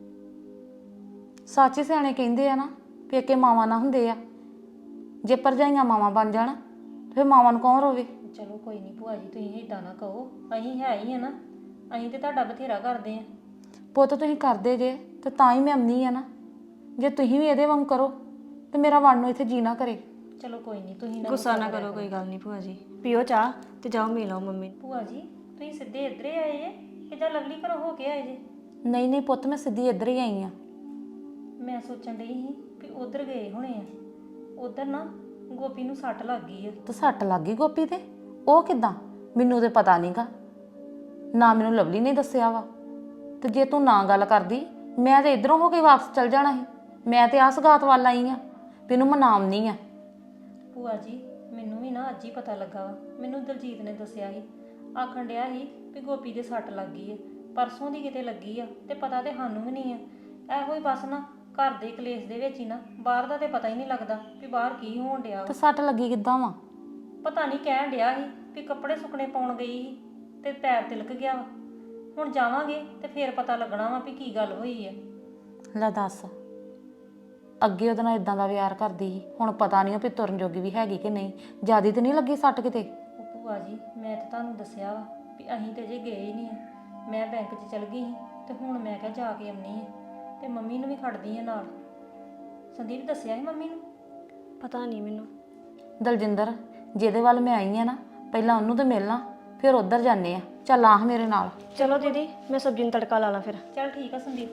S2: ਸੱਚ ਸਿਆਣੇ ਕਹਿੰਦੇ ਆ ਨਾ, ਪੇਕੇ ਮਾਵਾਂ ਨਾ ਹੁੰਦੇ ਆ। ਜੇ ਭਰਜਾਈਆਂ ਮਾਵਾਂ ਬਣ ਜਾਣ ਫਿਰ ਮਾਵਾਂ ਨੂੰ ਕੌਣ ਰੋਵੇ।
S3: ਚਲੋ ਕੋਈ ਨਹੀਂ ਭੂਆ ਜੀ, ਤੁਸੀਂ ਏਦਾਂ ਨਾ ਕਹੋ, ਅਸੀਂ ਹੈ ਹੀ ਆ ਨਾ, ਅਸੀਂ ਤੇ ਤੁਹਾਡਾ ਬਥੇਰਾ ਕਰਦੇ ਆ।
S2: ਪੁੱਤ ਤੁਸੀਂ ਕਰਦੇ ਜੇ ਤੇ ਤਾਂ ਹੀ ਮੈਂ ਆਉਂਦੀ ਆ ਨਾ। ਜੇ ਤੁਸੀਂ ਵੀ ਇਹਦੇ ਵਾਂਗ ਕਰੋ ਤੇ ਮੇਰਾ ਵੜ ਨੂੰ ਇੱਥੇ ਜੀ ਨਾ ਕਰੇ।
S3: ਚਲੋ ਕੋਈ ਨਹੀਂ, ਤੁਸੀਂ
S5: ਗੁੱਸਾ ਨਾ ਕਰੋ, ਕੋਈ ਗੱਲ ਨਹੀਂ ਭੂਆ ਜੀ। ਪੀਓ ਚਾਹ ਤੇ ਜਾਓ ਮਿਲ ਆਓ ਮੰਮੀ ਨੂੰ।
S3: ਭੂਆ ਜੀ ਤੁਸੀਂ ਸਿੱਧੇ ਇੱਧਰੇ ਆਏ ਜੇ ਕਿ ਜਾਂ ਲਵਲੀ ਘਰੋਂ ਹੋ ਕੇ ਆਏ ਜੇ?
S2: ਨਹੀਂ ਪੁੱਤ, ਮੈਂ ਸਿੱਧੀ ਇੱਧਰ ਹੀ ਆਈ ਆ।
S3: ਮੈਂ ਸੋਚਣ ਡਈ ਸੀ ਵੀ ਉਧਰ ਗਏ ਹੋਣੇ ਆ। ਉਧਰ ਨਾ ਗੋਪੀ ਨੂੰ ਸੱਟ ਲੱਗ ਗਈ ਆ।
S2: ਤੇ ਸੱਟ ਲੱਗ ਗਈ ਗੋਪੀ ਤੇ? ਉਹ ਕਿੱਦਾਂ? ਮੈਨੂੰ ਤੇ ਪਤਾ ਨਹੀਂਗਾ, ਨਾ ਮੈਨੂੰ ਲਵਲੀ ਨੇ ਦੱਸਿਆ ਵਾ। ਤੇ ਜੇ ਤੂੰ ਨਾ ਗੱਲ ਕਰਦੀ ਮੈਂ ਤੇ ਇਧਰੋਂ ਹੋ ਕੇ ਵਾਪਸ ਚਲ ਜਾਣਾ ਸੀ। ਮੈਂ ਤੇ ਆ ਸਗਾਤ ਵੱਲ ਆਈ ਆ, ਤੈਨੂੰ ਮਨਾਉਣੀ ਆ।
S3: ਭੂਆ ਜੀ ਮੈਨੂੰ ਵੀ ਨਾ ਅੱਜ ਹੀ ਪਤਾ ਲੱਗਾ ਵਾ, ਮੈਨੂੰ ਦਲਜੀਤ ਨੇ ਦੱਸਿਆ ਸੀ। ਆਖਣ ਡਿਆ ਸੀ ਵੀ ਗੋਪੀ ਦੇ ਸੱਟ ਲੱਗ ਗਈ ਆ, ਪਰਸੋਂ ਦੀ ਕਿਤੇ ਲੱਗੀ ਆ ਤੇ ਪਤਾ ਤੇ ਸਾਨੂੰ ਵੀ ਨਹੀਂ ਆ। ਇਹੋ ਹੀ ਬਸ ਨਾ ਘਰ ਦੇ ਕਲੇਸ਼ ਦੇ ਵਿੱਚ ਹੀ ਨਾ, ਬਾਹਰ ਦਾ ਤੇ ਪਤਾ ਹੀ ਨਹੀਂ ਲੱਗਦਾ ਵੀ ਬਾਹਰ ਕੀ ਹੋਣ ਡਿਆ ਵਾ।
S2: ਤੇ ਸੱਟ ਲੱਗੀ ਕਿੱਦਾਂ ਵਾ?
S3: ਪਤਾ ਨਹੀਂ, ਕਹਿਣ ਡਿਆ ਸੀ ਵੀ ਕੱਪੜੇ ਸੁੱਕਣੇ ਪਾਉਣ ਗਈ ਸੀ ਤੇ ਪੈਰ ਤਿਲਕ ਗਿਆ ਵਾ। ਹੁਣ ਜਾਵਾਂਗੇ ਤੇ ਫੇਰ ਪਤਾ ਲੱਗਣਾ ਵਾ ਵੀ ਕੀ ਗੱਲ ਹੋਈ ਆ।
S2: ਲੈ ਦੱਸ, ਅੱਗੇ ਉਹਦੇ ਨਾਲ ਇਦਾਂ ਦਾ ਵਿਆਰ ਕਰਦੀ ਸੀ, ਹੁਣ ਪਤਾ ਨਹੀਂ ਵੀ ਤੁਰਨ ਜੋਗੀ ਵੀ ਹੈਗੀ ਕਿ ਨਹੀਂ। ਜਿਆਦੀ ਤੇ ਨਹੀਂ ਲੱਗੀ ਸੱਟ ਕਿਤੇ?
S3: ਉਹ ਭੂਆ ਜੀ ਮੈਂ ਤਾਂ ਤੁਹਾਨੂੰ ਦੱਸਿਆ ਵਾ ਵੀ ਅਸੀਂ ਤੇ ਜੇ ਗਏ ਹੀ ਨਹੀਂ ਆ। ਮੈਂ ਬੈਂਕ 'ਚ ਚਲ ਗਈ ਸੀ ਤੇ ਹੁਣ ਮੈਂ ਕਿਹਾ ਜਾ ਕੇ ਆਉਣੀ ਆ ਤੇ ਮੰਮੀ ਨੂੰ ਵੀ ਖੜਦੀ ਆ ਨਾਲ। ਸੰਦੀਪ ਦੱਸਿਆ ਸੀ ਮੰਮੀ ਨੂੰ?
S5: ਪਤਾ ਨਹੀਂ ਮੈਨੂੰ।
S2: ਦਲਜਿੰਦਰ, ਜਿਹਦੇ ਵੱਲ ਮੈਂ ਆਈ ਆ ਨਾ, ਪਹਿਲਾਂ ਉਹਨੂੰ ਤੇ ਮਿਲਣਾ, ਫਿਰ ਉੱਧਰ ਜਾਂਦੇ ਆ। ਚੱਲ ਆਹ ਮੇਰੇ ਨਾਲ।
S5: ਚਲੋ ਦੀਦੀ, ਮੈਂ ਸਬਜ਼ੀ ਨੂੰ ਤੜਕਾ ਲਾ ਲਾਂ ਫਿਰ।
S3: ਚਲ ਠੀਕ ਆ ਸੰਦੀਪ।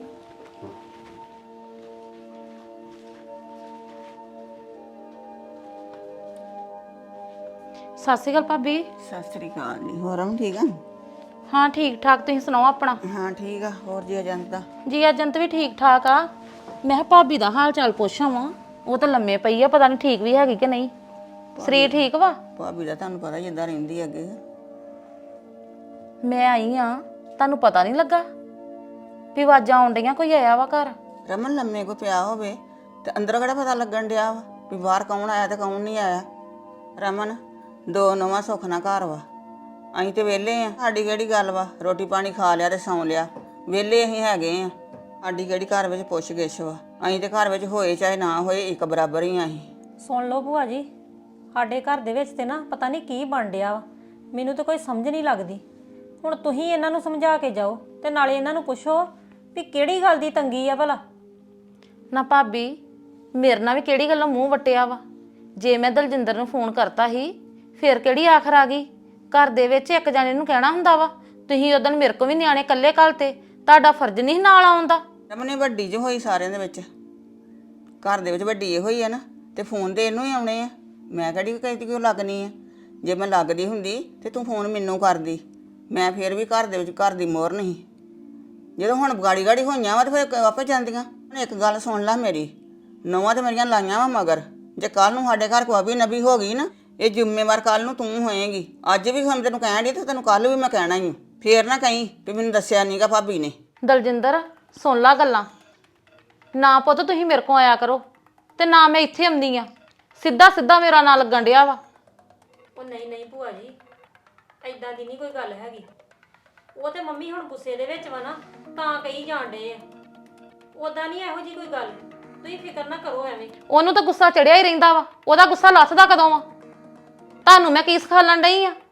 S2: ਸਤਿ ਸ਼੍ਰੀ ਅਕਾਲ ਭਾਬੀ।
S1: ਸਤਿ ਸ੍ਰੀ ਅਕਾਲ ਜੀ। ਹੋਰ ਅਮ ਠੀਕ ਆ?
S2: ਹਾਂ ਠੀਕ ਠਾਕ, ਤੁਸੀਂ ਸੁਣਾਓ ਆਪਣਾ?
S1: ਹਾਂ ਠੀਕ ਆ। ਹੋਰ ਜੀ ਏਜੰਟ ਦਾ?
S2: ਜੀ ਏਜੰਟ ਵੀ ਠੀਕ ਠਾਕ ਆ। ਮੈਂ ਕਿਹਾ ਭਾਬੀ ਦਾ ਹਾਲ ਚਾਲ ਪੁੱਛਾਂ ਵਾ, ਉਹ ਤਾਂ ਲੰਮੇ ਪਈ ਆ, ਪਤਾ ਨਹੀਂ ਠੀਕ ਵੀ ਹੈਗੀ ਕਿ ਨਹੀਂ। ਸਰੀਰ ਠੀਕ ਵਾ?
S1: ਭਾਬੀ ਦਾ ਤੁਹਾਨੂੰ ਪਤਾ ਜਿੱਦਾਂ ਰਹਿੰਦੀ ਅੱਗੇ।
S2: ਮੈਂ ਆਈ ਆ, ਤੁਹਾਨੂੰ ਪਤਾ ਨਹੀਂ ਲੱਗਾ ਵੀ ਆਵਾਜ਼ਾਂ ਆਉਣ ਡਈਆਂ ਕੋਈ ਆਇਆ ਵਾ ਘਰ?
S1: ਰਮਨ ਲੰਮੇ ਕੋ ਪਿਆ ਹੋਵੇ ਤੇ ਅੰਦਰ ਕਿਹੜਾ ਪਤਾ ਲੱਗਣ ਡਿਆ ਵਾ ਵੀ ਬਾਹਰ ਕੌਣ ਆਇਆ ਤੇ ਕੌਣ ਨਹੀਂ ਆਇਆ। ਰਮਨ, ਦੋ ਨਵਾਂ ਸੁੱਖ ਨਾ ਘਰ ਵਾ, ਅਸੀਂ ਤੇ ਵਿਹਲੇ ਆ। ਸਾਡੀ ਕਿਹੜੀ ਗੱਲ ਵਾ, ਰੋਟੀ ਪਾਣੀ ਖਾ ਲਿਆ ਤੇ ਸੌਂ ਲਿਆ, ਵਿਹਲੇ ਅਸੀਂ ਹੈਗੇ ਆ। ਸਾਡੀ ਕਿਹੜੀ ਘਰ ਵਿੱਚ ਪੁੱਛ ਗਿੱਛ ਵਾ। ਅਸੀਂ ਤੇ ਘਰ ਵਿੱਚ ਹੋਏ ਚਾਹੇ ਨਾ ਹੋਏ ਇੱਕ ਬਰਾਬਰ ਹੀ ਆ ਅਸੀਂ।
S3: ਸੁਣ ਲਓ ਭੂਆ ਜੀ, ਸਾਡੇ ਘਰ ਦੇ ਵਿੱਚ ਤੇ ਨਾ ਪਤਾ ਨਹੀਂ ਕੀ ਬਣ ਡਿਆ ਵਾ, ਮੈਨੂੰ ਤਾਂ ਕੋਈ ਸਮਝ ਨਹੀਂ ਲੱਗਦੀ। ਹੁਣ ਤੁਸੀਂ ਇਹਨਾਂ ਨੂੰ ਸਮਝਾ ਕੇ ਜਾਓ ਤੇ ਨਾਲੇ ਇਹਨਾਂ ਨੂੰ ਪੁੱਛੋ ਵੀ ਕਿਹੜੀ ਗੱਲ ਦੀ ਤੰਗੀ ਆ ਭਲਾ।
S2: ਨਾ ਭਾਬੀ, ਮੇਰੇ ਨਾਲ ਵੀ ਕਿਹੜੀ ਗੱਲੋਂ ਮੂੰਹ ਵਟਿਆ ਵਾ? ਜੇ ਮੈਂ ਦਲਜਿੰਦਰ ਨੂੰ ਫੋਨ ਕਰਤਾ ਸੀ ਫਿਰ ਕਿਹੜੀ ਆਖਰ ਆ ਗਈ? ਘਰ ਦੇ ਵਿੱਚ ਇੱਕ ਜਾਣੇ ਨੂੰ ਕਹਿਣਾ ਹੁੰਦਾ ਵਾ। ਤੁਸੀਂ ਉਦੋਂ ਮੇਰੇ ਕੋ ਵੀ ਨਿਆਣੇ ਇਕੱਲੇ ਘੱਲ ਤੇ, ਤੁਹਾਡਾ ਫਰਜ਼ ਨਹੀਂ ਨਾਲ ਆਉਣ ਦਾ।
S1: ਰਮਨ ਵੱਡੀ ਜੋ ਹੋਈ ਸਾਰਿਆਂ ਦੇ ਵਿੱਚ, ਘਰ ਦੇ ਵਿੱਚ ਵੱਡੀ ਇਹੋ ਹੀ ਆ ਨਾ, ਤੇ ਫੋਨ ਤੇ ਇਹਨੂੰ ਹੀ ਆਉਣੇ ਆ। ਮੈਂ ਕਿਹੜੀ ਕਹਿੰਦੀ ਕਿਉਂ ਲੱਗਣੀ ਆ? ਜੇ ਮੈਂ ਲੱਗਦੀ ਹੁੰਦੀ ਤੇ ਤੂੰ ਫੋਨ ਮੈਨੂੰ ਕਰਦੀ, ਮੈਂ ਫੇਰ ਵੀ ਘਰ ਦੇ ਵਿੱਚ ਘਰ ਦੀ ਮੋਹਰ ਨਹੀਂ। ਜਦੋਂ ਹੁਣ ਗਾੜੀ ਹੋਈਆਂ ਵਾ ਤੇ ਫਿਰ ਆਪੇ ਜਾਂਦੀਆਂ। ਹੁਣ ਇੱਕ ਗੱਲ ਸੁਣ ਲੈ ਮੇਰੀ, ਨੌਵਾਂ ਤੇ ਮੇਰੀਆਂ ਲਾਈਆਂ ਵਾ ਮਗਰ। ਜੇ ਕੱਲ ਨੂੰ ਸਾਡੇ ਘਰ ਕੋਈ ਅਭੀ ਨਬੀ ਹੋ ਗਈ ਨਾ, ਇਹ ਜ਼ਿੰਮੇਵਾਰ ਕੱਲ ਨੂੰ ਤੂੰ ਹੋਏਗੀ। ਅੱਜ ਵੀ ਹੁਣ ਤੈਨੂੰ ਕਹਿਣ ਡਈ ਤੇ ਤੈਨੂੰ ਕੱਲ ਵੀ ਮੈਂ ਕਹਿਣਾ ਹੀ। ਫੇਰ ਨਾ ਕਹੀਂ ਵੀ ਮੈਨੂੰ ਦੱਸਿਆ ਨਹੀਂਗਾ ਭਾਬੀ ਨੇ।
S2: ਦਲਜਿੰਦਰ ਸੁਣ ਲਾ ਗੱਲਾਂ। ਨਾ ਪੁੱਤ ਤੁਸੀਂ ਮੇਰੇ ਕੋਲ ਆਇਆ ਕਰੋ ਤੇ ਨਾ ਮੈਂ ਇੱਥੇ ਆਉਂਦੀ ਆ। ਸਿੱਧਾ ਮੇਰਾ ਨਾਂ ਲੱਗਣ ਡਿਆ ਵਾ।
S3: ਉਹ ਨਹੀਂ ਭੂਆ ਜੀ, ਐਦਾਂ ਦੀ ਨਹੀਂ ਕੋਈ ਗੱਲ ਹੈਗੀ। ਉਹ ਤੇ ਮੰਮੀ ਹੁਣ ਗੁੱਸੇ ਦੇ ਵਿੱਚ ਵਾ ਨਾ, ਤਾਂ ਕਹੀ ਜਾਣ ਡੇ ਆ। ਉਦਾਂ ਨਹੀਂ ਇਹੋ ਜੀ ਕੋਈ ਗੱਲ, ਤੁਸੀਂ ਫਿਕਰ ਨਾ ਕਰੋ ਐਵੇਂ।
S2: ਉਹਨੂੰ ਤਾਂ ਗੁੱਸਾ ਚੜਿਆ ਹੀ ਰਹਿੰਦਾ ਵਾ, ਉਹਦਾ ਗੁੱਸਾ ਲੱਥਦਾ ਕਦੋਂ ਵਾ? ਤੁਹਾਨੂੰ ਮੈਂ ਕੀ ਸਿਖਾਲਣ ਡਈ ਆ?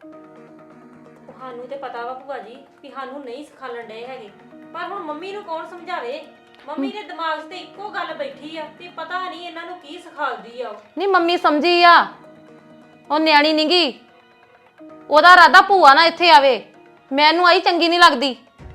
S3: ਸਾਨੂੰ ਤੇ ਪਤਾ ਵਾ ਭੂਆ ਜੀ ਵੀ ਸਾਨੂੰ ਨਹੀਂ ਸਿਖਾਲਣ ਡੇ ਹੈਗੇ, ਪਰ ਹੁਣ ਮੰਮੀ ਨੂੰ ਕੌਣ ਸਮਝਾਵੇ? ਮੰਮੀ ਦੇ ਦਿਮਾਗ 'ਤੇ ਇੱਕੋ ਗੱਲ ਬੈਠੀ ਆ ਤੇ ਪਤਾ ਨਹੀਂ ਇਹਨਾਂ ਨੂੰ ਕੀ ਸਿਖਾਲਦੀ ਆ।
S2: ਨਹੀਂ ਮੰਮੀ ਸਮਝੀ ਆ, ਉਹ ਨਿਆਣੀ ਨੀ ਗੀ। ਉਹਦਾ ਇਰਾਦਾ ਭੂਆ ਨਾ ਇੱਥੇ ਆਵੇ, ਮੈਨੂੰ ਆਈ ਚੰਗੀ ਨਹੀਂ ਲੱਗਦੀ।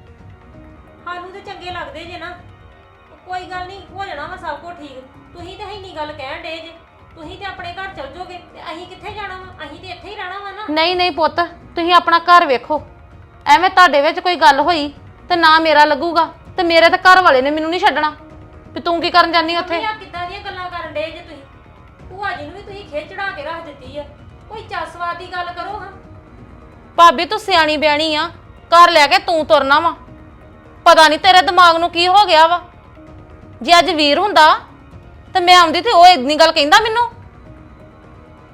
S3: ਸਾਨੂੰ ਤੇ ਚੰਗੇ ਲੱਗਦੇ ਜੇ ਨਾ। ਕੋਈ ਗੱਲ ਨਹੀਂ, ਹੋ ਜਾਣਾ ਵਾ ਸਭ ਕੁਝ ਠੀਕ। ਤੁਸੀਂ ਤੇ ਇੰਨੀ ਗੱਲ ਕਹਿਣ ਡੇ ਜੇ, ਤੁਸੀਂ ਤੇ ਆਪਣੇ ਘਰ ਚਲ ਜਾਓਗੇ ਤੇ ਅਸੀਂ ਕਿੱਥੇ ਜਾਣਾ ਵਾ? ਅਸੀਂ ਤੇ ਇੱਥੇ ਹੀ ਰਹਿਣਾ ਵਾ ਨਾ।
S2: ਨਹੀਂ ਪੁੱਤ, ਤੁਸੀਂ ਆਪਣਾ ਘਰ ਵੇਖੋ। ਐਵੇਂ ਤੁਹਾਡੇ ਵਿੱਚ ਕੋਈ ਗੱਲ ਹੋਈ ਤੇ ਨਾ ਮੇਰਾ ਲੱਗੂਗਾ, ਤੇ ਮੇਰੇ ਤਾਂ ਘਰ ਵਾਲੇ ਨੇ ਮੈਨੂੰ ਨਹੀਂ ਛੱਡਣਾ ਵੀ ਤੂੰ ਕੀ ਕਰਨ ਜਾਨੀ ਉੱਥੇ।
S3: ਆ ਕਿੱਦਾਂ ਦੀਆਂ ਗੱਲਾਂ ਕਰਨ ਡੇ ਜੇ ਤੁਸੀਂ? ਭੂਆ ਜੀ ਨੂੰ ਵੀ ਤੁਸੀਂ ਖਿੱਚ ਚੜਾ ਕੇ ਰੱਖ ਦਿੱਤੀ ਆ। ਕੋਈ ਚੱਸਵਾਦ ਦੀ ਗੱਲ ਕਰੋ ਹਾਂ।
S2: ਭਾਬੀ ਤੂੰ ਸਿਆਣੀ ਬਿਆਣੀ ਆ, ਘਰ ਲੈ ਕੇ ਤੂੰ ਤੁਰਨਾ ਵਾ। ਪਤਾ ਨਹੀਂ ਤੇਰੇ ਦਿਮਾਗ ਨੂੰ ਕੀ ਹੋ ਗਿਆ ਵਾ। ਜੇ ਅੱਜ ਵੀਰ ਹੁੰਦਾ ਤੇ ਮੈਂ ਆਉਂਦੀ ਤੇ ਉਹ ਇੰਨੀ ਗੱਲ ਕਹਿੰਦਾ ਮੈਨੂੰ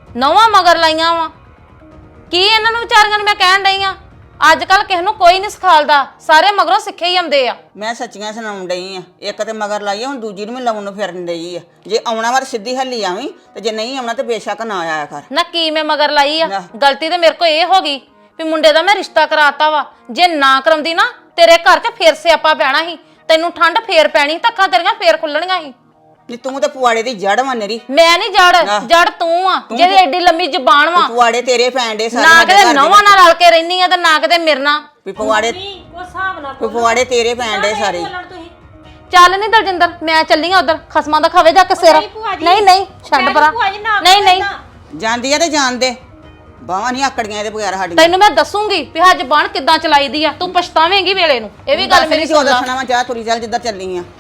S2: ਨੌਵਾਂ ਮਗਰ ਲਾਈਆਂ ਵਾ ਕੀ ਇਹਨਾਂ ਨੂੰ ਵਿਚਾਰੀਆਂ ਨੂੰ ਮੈਂ ਕਹਿਣ ਡਈ ਆ ਅੱਜ ਕੱਲ ਕਿਸੇ ਨੂੰ ਕੋਈ ਨਹੀਂ ਸਿਖਾਲਦਾ ਸਾਰੇ ਮਗਰੋਂ ਸਿੱਖੇ ਹੀ ਆਉਂਦੇ ਆ
S1: ਮੈਂ ਸੱਚੀਆਂ ਸੁਣਾਉਣ ਡਈ ਆ ਇੱਕ ਤੇ ਮਗਰ ਲਾਈ ਆ, ਹੁਣ ਦੂਜੀ ਨੂੰ ਵੀ ਲਾਉਣ ਨੂੰ ਫਿਰਨ ਡਈ ਆ। ਜੇ ਆਉਣਾ ਵਾ ਤਾਂ ਸਿੱਧੀ ਹੱਲੀ ਆਵੀਂ ਤੇ ਜੇ ਨਹੀਂ ਆਉਣਾ ਤੇ ਬੇਸ਼ੱਕ ਨਾ ਆਇਆ ਕਰ।
S2: ਨਾ ਕੀ ਮੈਂ ਮਗਰ ਲਾਈ ਆ ਗਲਤੀ ਤੇ ਮੇਰੇ ਕੋ ਇਹ ਹੋ ਗਈ ਵੀ ਮੁੰਡੇ ਦਾ ਮੈਂ ਰਿਸ਼ਤਾ ਕਰਾਤਾ ਵਾ ਜੇ ਨਾ ਕਰਾਉਂਦੀ ਨਾ ਤੇਰੇ ਘਰ 'ਚ ਫੇਰ ਸਿਆਪਾ ਪੈਣਾ ਸੀ ਤੈਨੂੰ ਠੰਡ ਫੇਰ ਪੈਣੀ ਧੱਕਾਂ ਤੇਰੀਆਂ ਫੇਰ ਖੁੱਲਣੀਆਂ ਸੀ
S1: ਨੀ ਤੂੰ ਤੇ ਪੁਆੜੇ ਦੀ ਜੜ ਵਾ ਨੇਰੀ।
S2: ਮੈਂ ਨਹੀਂ ਜੜ ਤੂੰ ਆ ਜਿਹਦੀ ਐਡੀ ਲੰਮੀ ਜ਼ਬਾਨ ਵਾ
S1: ਪੁਆੜੇ ਤੇਰੇ ਪੈਂਡੇ ਸਾਰੇ
S2: ਨਾ
S1: ਸਾਡੇ
S2: ਕਿਤੇ
S1: ਘਰ ਦੇ
S2: ਨੌਵਾਂ ਨਾਲ ਰਲ ਕੇ ਰਹਿਨੀ ਆ ਤੇ ਨਾ ਕਿਤੇ ਮਿਰਨਾ
S1: ਵੀ ਪੁਆੜੇ
S3: ਉਹ ਹਿਸਾਬ ਨਾਲ
S1: ਪੁਆੜੇ ਤੇਰੇ ਪੈਂਡੇ ਸਾਰੇ।
S3: ਤੁਸੀਂ
S2: ਚੱਲ ਨਹੀਂ ਦਲਜਿੰਦਰ ਮੈਂ ਚੱਲੀ ਆ ਉਧਰ ਖਸਮਾਂ ਦਾ ਖਾਵੇ ਜਾ ਕੇ ਸਿਰ ਨਹੀਂ ਛੱਡ ਪਰਾਂ ਨਹੀਂ
S1: ਜਾਂਦੀ ਆ ਤੇ ਜਾਣ ਦੇ ਬਾਹਾਂ ਨਹੀਂ ਆਕੜੀਆਂ ਇਹਦੇ ਬਗੈਰ ਸਾਡੀਆਂ।
S2: ਤੈਨੂੰ ਮੈਂ ਦੱਸੂਗੀ ਵੀ ਹੱਜ ਬਾਣ ਕਿੱਦਾਂ ਚਲਾਈਦੀ ਆ ਤੂੰ ਪਛਤਾਵੇਂਗੀ ਵੇਲੇ ਨੂੰ ਇਹ ਵੀ ਗੱਲ ਮੇਰੀ
S1: ਜੋ
S2: ਸੁਣ ਲੈ
S1: ਦੱਸਣਾ ਵਾ ਜਾ ਤੁਰੀ ਚੱਲ ਜਿੱਦਾਂ ਚੱਲੀ ਆ।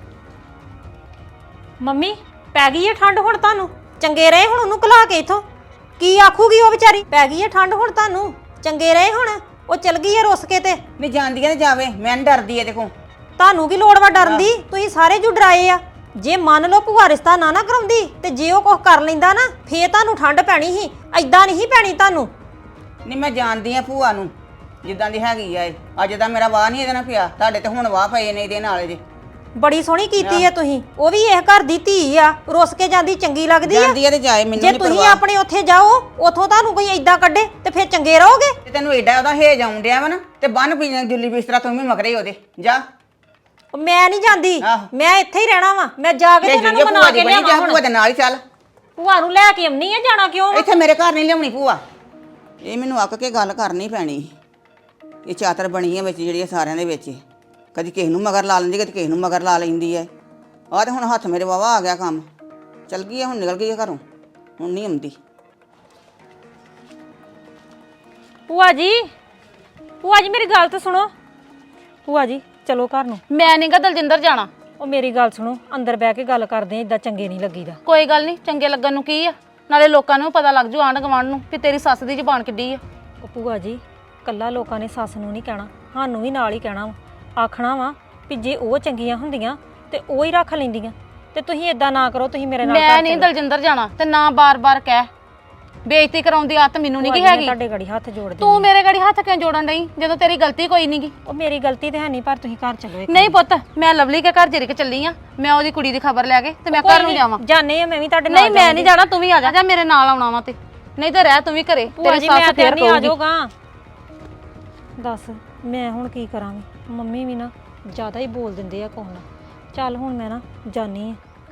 S3: ਮੰਮੀ ਪੈ ਗਈ ਹੈ ਠੰਡ ਹੁਣ ਤੁਹਾਨੂੰ ਚੰਗੇ ਰਹੇ ਹੁਣ ਉਹਨੂੰ ਘਲਾ ਕੇ ਇਥੋਂ ਕੀ ਆਖੂਗੀ ਉਹ ਵਿਚਾਰੀ ਪੈ ਗਈ ਹੈ ਠੰਡ ਹੁਣ ਤੁਹਾਨੂੰ ਚੰਗੇ ਰਹੇ ਹੁਣ ਉਹ ਚਲ ਗਈ ਹੈ ਰੁੱਸ ਕੇ ਤੇ
S1: ਨਹੀਂ ਜਾਂਦੀ ਆ ਤੇ ਜਾਵੇ ਮੈਂ ਨੀ ਡਰਦੀ ਇਹਦੇ ਕੋਲ।
S3: ਤੁਹਾਨੂੰ ਕੀ ਲੋੜ ਵਾ ਡਰਨ ਦੀ ਤੁਸੀਂ ਸਾਰੇ ਜੂ ਡਰਾਏ ਆ ਜੇ ਮੰਨ ਲਓ ਭੂਆ ਰਿਸ਼ਤਾ ਨਾ ਕਰਾਉਂਦੀ ਤੇ ਜੇ ਉਹ ਕੁਝ ਕਰ ਲੈਂਦਾ ਨਾ ਫੇਰ ਤੁਹਾਨੂੰ ਠੰਡ ਪੈਣੀ ਸੀ ਐਦਾਂ ਨਹੀਂ ਪੈਣੀ ਤੁਹਾਨੂੰ।
S1: ਨਹੀਂ ਮੈਂ ਜਾਣਦੀ ਆ ਭੂਆ ਨੂੰ ਜਿੱਦਾਂ ਦੀ ਹੈਗੀ ਆ ਇਹ। ਅੱਜ ਦਾ ਮੇਰਾ ਵਾਹ ਨਹੀਂ ਇਹਦੇ ਨਾਲ ਪਿਆ ਤੁਹਾਡੇ ਤੇ ਹੁਣ ਵਾਹ ਪਏ ਨੇ ਇਹਦੇ ਨਾਲ ਜੇ।
S3: ਬੜੀ ਸੋਹਣੀ ਕੀਤੀ ਆ ਤੁਸੀਂ ਉਹ ਵੀ ਇਸ ਘਰ ਦੀ ਧੀ ਆ ਰੁੱਸ ਕੇ ਜਾਂਦੀ ਚੰਗੀ ਲੱਗਦੀ ਆ
S1: ਜਾਂਦੀ ਆ ਤੇ ਜਾਏ ਮੈਨੂੰ
S3: ਜੇ
S1: ਨਹੀਂ
S3: ਤੁਸੀਂ
S1: ਪਰਵਾਹ।
S3: ਆਪਣੇ ਉੱਥੇ ਜਾਓ ਉਥੋਂ ਤੁਹਾਨੂੰ ਕੋਈ ਐਦਾਂ ਕੱਢੇ ਤੇ ਫੇਰ ਚੰਗੇ ਰਹੋਗੇ।
S1: ਤੇ ਤੈਨੂੰ ਏਡਾ ਉਹਦਾ ਹੇਜ ਆਉਣ ਡਿਆ ਵਾ ਨਾ ਤੇ ਬੰਨ ਪੀ ਜੁੱਲੀ ਬਿਸਤਰਾ ਤੂੰ ਵੀ ਮਗਰੇ ਉਹਦੇ ਜਾ।
S3: ਉਹ ਮੈਂ ਨਹੀਂ ਜਾਂਦੀ
S1: ਆਹੋ।
S3: ਮੈਂ ਇੱਥੇ ਹੀ ਰਹਿਣਾ ਵਾ ਮੈਂ ਜਾ ਕੇ ਤੇ ਇਹਨਾਂ ਨੂੰ ਮਨਾ ਕੇ ਲਿਆਵਾਂ ਹੁਣ
S1: ਭੂਆ ਦੇ ਨਾਲ ਹੀ ਚੱਲ।
S3: ਭੂਆ ਨੂੰ ਲੈ ਕੇ ਆਉਣੀ ਆ ਜਾਣਾ ਕਿਉਂ ਵਾ?
S1: ਇੱਥੇ ਮੇਰੇ ਘਰ ਨਹੀਂ ਲਿਆਉਣੀ ਭੂਆ। ਇਹ ਮੈਨੂੰ ਅੱਕ ਕੇ ਗੱਲ ਕਰਨੀ ਪੈਣੀ। ਇਹ ਚਾਤਰ ਬਣੀ ਹੈ ਵਿੱਚ ਜਿਹੜੀ ਸਾਰਿਆਂ ਦੇ ਵਿੱਚ ਕਦੀ ਕਿਸੇ ਨੂੰ ਮਗਰ ਲਾ ਲੈਂਦੀ ਕਦੀ ਕਿਸੇ ਨੂੰ ਮਗਰ ਲਾ ਲੈਂਦੀ ਹੈ। ਆਹ ਤੇ ਹੁਣ ਹੱਥ ਮੇਰੇ ਵਾਵਾ ਆ ਗਿਆ ਕੰਮ ਚਲ ਗਈ ਹੈ ਹੁਣ ਨਿਕਲ ਗਈ ਹੈ ਘਰੋਂ ਹੁਣ ਨਹੀਂ ਆਉਂਦੀ।
S3: ਭੂਆ ਜੀ ਮੇਰੀ ਗੱਲ ਤਾਂ ਸੁਣੋ ਭੂਆ ਜੀ ਚਲੋ ਘਰ ਨੂੰ।
S2: ਮੈਂ ਨੀ ਗਾ ਦਲਜਿੰਦਰ ਜਾਣਾ
S3: ਉਹ ਮੇਰੀ ਗੱਲ ਸੁਣੋ ਅੰਦਰ ਬਹਿ ਕੇ ਗੱਲ ਕਰਦੇ ਆ ਇਦਾਂ ਚੰਗੇ ਨਹੀਂ ਲੱਗੀਦਾ।
S2: ਕੋਈ ਗੱਲ ਨਹੀਂ ਚੰਗੇ ਲੱਗਣ ਨੂੰ ਕੀ ਆ ਨਾਲੇ ਲੋਕਾਂ ਨੂੰ ਪਤਾ ਲੱਗ ਜੂ ਆਂਢ ਗੁਆਂਢ ਨੂੰ ਵੀ ਤੇਰੀ ਸੱਸ ਦੀ ਜ਼ੁਬਾਨ ਕਿੱਡੀ ਆ।
S3: ਉਹ ਭੂਆ ਜੀ ਕੱਲਾ ਲੋਕਾਂ ਨੇ ਸੱਸ ਨੂੰ ਨਹੀਂ ਕਹਿਣਾ ਸਾਨੂੰ ਵੀ ਨਾਲ ਹੀ ਕਹਿਣਾ ਵਾ ਆਖਣਾ ਵਾ ਵੀ ਜੇ ਉਹ ਚੰਗੀਆਂ ਹੁੰਦੀਆਂ ਤੇ ਉਹ ਹੀ ਰੱਖ ਲੈਂਦੀਆਂ ਤੇ ਤੁਸੀਂ ਇਦਾਂ ਨਾ ਕਰੋ ਤੁਸੀਂ ਮੇਰੇ ਨਾਲ
S2: ਮੈਂ ਨਹੀਂ ਦਲਜਿੰਦਰ ਜਾਣਾ ਤੇ ਨਾ ਬਾਰ-ਬਾਰ ਕਹਿ ਬੇਇੱਜ਼ਤੀ ਕਰਾਉਣ ਦੀ ਆਦਤ ਮੈਨੂੰ ਨਹੀਂ ਹੈਗੀ।
S3: ਤੁਹਾਡੇ ਗੜੀ ਹੱਥ ਜੋੜ ਦੇ
S2: ਤੂੰ ਮੇਰੇ ਗੜੀ ਹੱਥ ਕਿਉਂ ਜੋੜਨ ਡਈ ਜਦੋਂ ਤੇਰੀ ਗਲਤੀ ਕੋਈ ਨਹੀਂਗੀ।
S3: ਉਹ ਮੇਰੀ ਗਲਤੀ ਤੇ ਹੈ ਨਹੀਂ ਪਰ ਤੁਸੀਂ ਘਰ ਚਲੋ
S2: ਨਹੀਂ ਪੁੱਤ ਮੈਂ ਲਵਲੀ ਕੇ ਘਰ ਜਿਰਕ ਚੱਲੀ ਆ ਮੈਂ ਉਹਦੀ ਕੁੜੀ ਦੀ ਖਬਰ ਲੈ ਕੇ ਤੇ ਮੈਂ ਘਰ ਨੂੰ ਜਾਵਾਂ।
S3: ਜਾਣੇ ਆ ਮੈਂ ਵੀ ਤੁਹਾਡੇ ਨਾਲ
S2: ਨਹੀਂ ਮੈਂ ਨਹੀਂ ਜਾਣਾ ਤੂੰ ਵੀ ਆ ਜਾ ਮੇਰੇ ਨਾਲ ਆਉਣਾ ਵਾ ਤੇ ਨਹੀਂ ਤੇ ਰਹਿ ਤੂੰ ਵੀ ਘਰੇ ਤੇਰੀ ਸੱਸ ਫੇਰ
S3: ਨਹੀਂ ਆ
S2: ਕਹੂਗੀ।
S3: ਜਾਊਗਾ ਦੱਸ ਮੈਂ ਹੁਣ ਕੀ ਕਰਾਂਗੀ ਮੰਮੀ ਵੀ ਨਾ ਜ਼ਿਆਦਾ ਹੀ ਬੋਲ ਦਿੰਦੇ ਆ ਕੋਣ ਚੱਲ ਹੁਣ ਮੈਂ ਨਾ ਜਾਣੀ ਆ।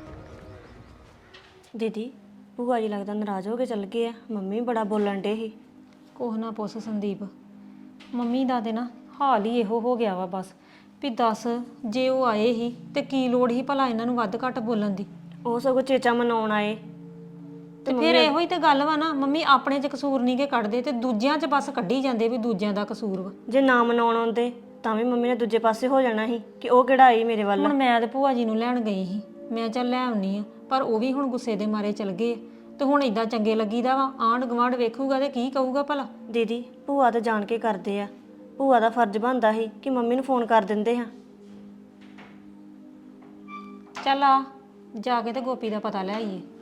S5: ਦੀਦੀ ਭੂਆ ਜੀ ਲੱਗਦਾ ਨਾਰਾਜ਼ ਹੋ ਕੇ ਚੱਲ ਗਏ ਆ ਮੰਮੀ ਬੜਾ ਬੋਲਣ ਡੇ ਸੀ।
S3: ਕੋਹ ਨਾ ਪੁੱਛ ਸੰਦੀਪ ਮੰਮੀ ਦਾ ਤੇ ਨਾ ਹਾਲ ਹੀ ਇਹੋ ਹੋ ਗਿਆ ਵਾ ਬਸ ਵੀ ਦੱਸ ਜੇ ਉਹ ਆਏ ਹੀ ਤੇ ਕੀ ਲੋੜ ਹੀ ਭਲਾ ਇਹਨਾਂ ਨੂੰ ਵੱਧ ਘੱਟ ਬੋਲਣ ਦੀ।
S5: ਉਹ ਸਗੋਂ ਚੇਚਾ ਮਨਾਉਣ ਆਏ
S3: ਤੇ ਫਿਰ ਇਹੋ ਹੀ ਤੇ ਗੱਲ ਵਾ ਨਾ ਮੰਮੀ ਆਪਣੇ 'ਚ ਕਸੂਰ ਨਹੀਂ ਕੇ ਕੱਢਦੇ ਤੇ ਦੂਜਿਆਂ 'ਚ ਬਸ ਕੱਢੀ ਜਾਂਦੇ ਵੀ ਦੂਜਿਆਂ ਦਾ ਕਸੂਰ ਵਾ।
S5: ਜੇ ਨਾ ਮਨਾਉਣ ਆਉਂਦੇ ਤਾਂ ਵੀ ਮੰਮੀ ਨੇ ਦੂਜੇ ਪਾਸੇ ਹੋ ਜਾਣਾ ਸੀ ਕਿ ਉਹ ਕਿਹੜਾ ਆਈ ਮੇਰੇ ਵੱਲ।
S3: ਹੁਣ ਮੈਂ ਤੇ ਭੂਆ ਜੀ ਨੂੰ ਲੈਣ ਗਈ ਸੀ ਮੈਂ ਚੱਲ ਲੈ ਆਉਣੀ ਆ ਪਰ ਉਹ ਵੀ ਹੁਣ ਗੁੱਸੇ ਦੇ ਮਾਰੇ ਚਲ ਗਏ ਤੇ ਹੁਣ ਇਦਾਂ ਚੰਗੇ ਲੱਗੀਦਾ ਵਾ ਆਂਢ ਗੁਆਂਢ ਵੇਖੂਗਾ ਤੇ ਕੀ ਕਹੂਗਾ ਭਲਾ।
S5: ਦੀਦੀ ਭੂਆ ਤਾਂ ਜਾਣ ਕੇ ਕਰਦੇ ਆ ਭੂਆ ਦਾ ਫਰਜ਼ ਬਣਦਾ ਸੀ ਕਿ ਮੰਮੀ ਨੂੰ ਫੋਨ ਕਰ ਦਿੰਦੇ ਹਾਂ।
S3: ਚੱਲ ਆ ਜਾ ਕੇ ਤੇ ਗੋਪੀ ਦਾ ਪਤਾ ਲੈ ਆਈਏ।